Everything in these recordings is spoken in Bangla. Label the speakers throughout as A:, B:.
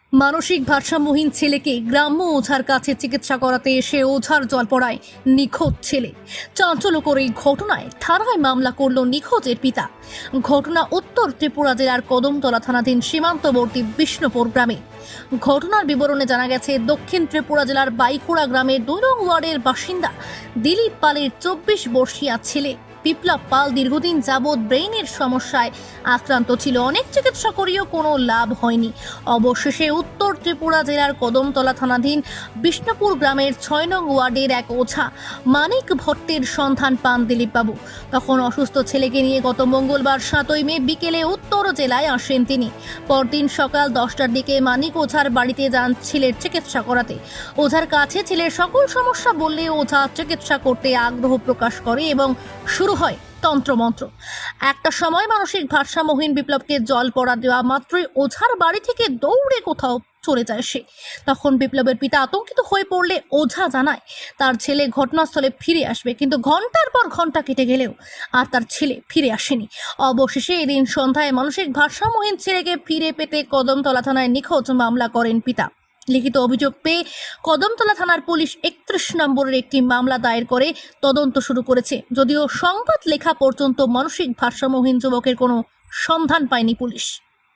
A: মানসিক ভারসাম্যহীন ছেলেকে গ্রাম্য ওঝার কাছে চিকিৎসা করাতে এসে ওঝার জলপড়ায় নিখোঁজ ছেলে। চাঞ্চল্যকর এই ঘটনায় থানায় মামলা করল নিখোঁজের পিতা। ঘটনা উত্তর ত্রিপুরা জেলার কদমতলা থানাধীন সীমান্তবর্তী বিষ্ণুপুর গ্রামে। ঘটনার বিবরণে জানা গেছে, দক্ষিণ ত্রিপুরা জেলার বাইখোড়া গ্রামের 2 নং ওয়ার্ডের বাসিন্দা দিলীপ পালের 24 বর্ষীয় ছেলে বিপ্লব পাল দীর্ঘদিন যাবৎ ব্রেইনের সমস্যায় আক্রান্ত ছিল। অনেক চিকিৎসা করেও কোনো লাভ হয়নি। অবশেষে উত্তর ত্রিপুরা জেলার কদমতলা থানাধীন বিষ্ণুপুর গ্রামের 6 নং ওয়ার্ডের এক ওঝা মানিক ভট্টের সন্ধান পান দিলীপবাবু। তখন অসুস্থ ছেলেকে নিয়ে গত মঙ্গলবার 7ই মে বিকেলে উত্তর জেলায় আসেন তিনি। পরদিন সকাল 10টার দিকে মানিক ওঝার বাড়িতে যান ছেলের চিকিৎসা করাতে। ওঝার কাছে ছেলের সকল সমস্যা বললে ওঝা চিকিৎসা করতে আগ্রহ প্রকাশ করে এবং শুরু হয় তন্ত্রমন্ত্র। একটা সময় মানসিক ভারসাম্যহীন বিপ্লবকে জল পড়া দেওয়া মাত্রই ওঝার বাড়ি থেকে দৌড়ে কোথাও চলে যায় সে। তখন বিপ্লবের পিতা আতঙ্কিত হয়ে পড়লে ওঝা জানায় তার ছেলে ঘটনাস্থলে ফিরে আসবে, কিন্তু ঘন্টার পর ঘন্টা কেটে গেলেও আর তার ছেলে ফিরে আসেনি। অবশেষে এদিন সন্ধ্যায় মানসিক ভারসাম্যহীন ছেলেকে ফিরে পেতে কদমতলা থানায় নিখোঁজ মামলা করেন পিতা। লিখিত অভিযোগ পেয়ে কদমতলা থানার পুলিশ 31 নম্বরের একটি মামলা দায়ের করে তদন্ত শুরু করেছে। যদিও সংবাদ লেখা পর্যন্ত মানসিক ভারসাম্যহীন যুবকের কোনো সন্ধান পায়নি পুলিশ।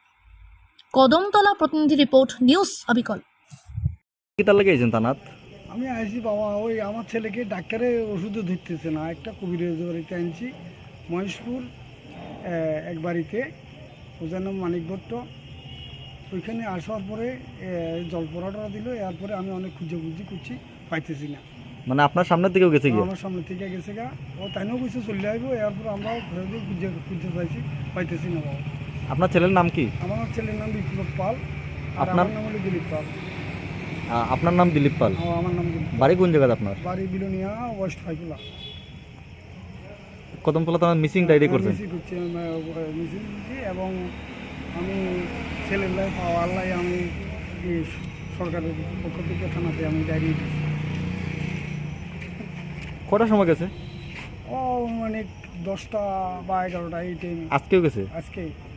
A: কদমতলা প্রতিনিধি রিপোর্ট, নিউজ অবিকল।
B: কিতা লাগাইছেন তানাত?
C: আমি আইছি বাবা, ওই আমার ছেলেকে ডাক্তারে ওষুধও ধরতেছে না, একটা কবিরাজ বাড়িতে আনছি মহেশপুর এক বাড়িতে, ওজার নাম মানিক ভট্ট। ওইখানে আসার পরে জলপড়াটা দিল, এরপরে আমি অনেক খুঁজি করছি, পাইতেছি না।
B: মানে আপনার সামনের দিকেও গেছে কি?
C: আমার সামনে থেকে গেছে গা, ও তাইও কিছু চলে আসবো, এরপর আমরাও ঘরে দিয়ে খুঁজতে চাইছি, পাইতেছি না বাবা।
B: আপনার ছেলের নাম কি?
C: আমার ছেলের নাম বিপ্লব পাল, আর
B: আপনার?
C: আমার নাম হলো দিলীপ পাল।
B: আপনার নাম দিলীপ পাল?
C: আমার নাম দিলীপ।
B: বাড়ি কোন জায়গায় আপনার?
C: বাড়ি বিলোনিয়া, ওয়েস্ট ফাইকুলা।
B: কদমতলা থানার মিসিং ডায়েরি করছেন?
C: মিসিং করছি এবং আমি ছেলের লাইফ আল্লাহ, আমি সরকারের পক্ষ থেকে থানাতে আমি ডায়েরি দিচ্ছি।
B: কটার সময় গেছে?
C: ও মানে 10টা বা 11টা এই টাইমে
B: আজকেও গেছে?
C: আজকে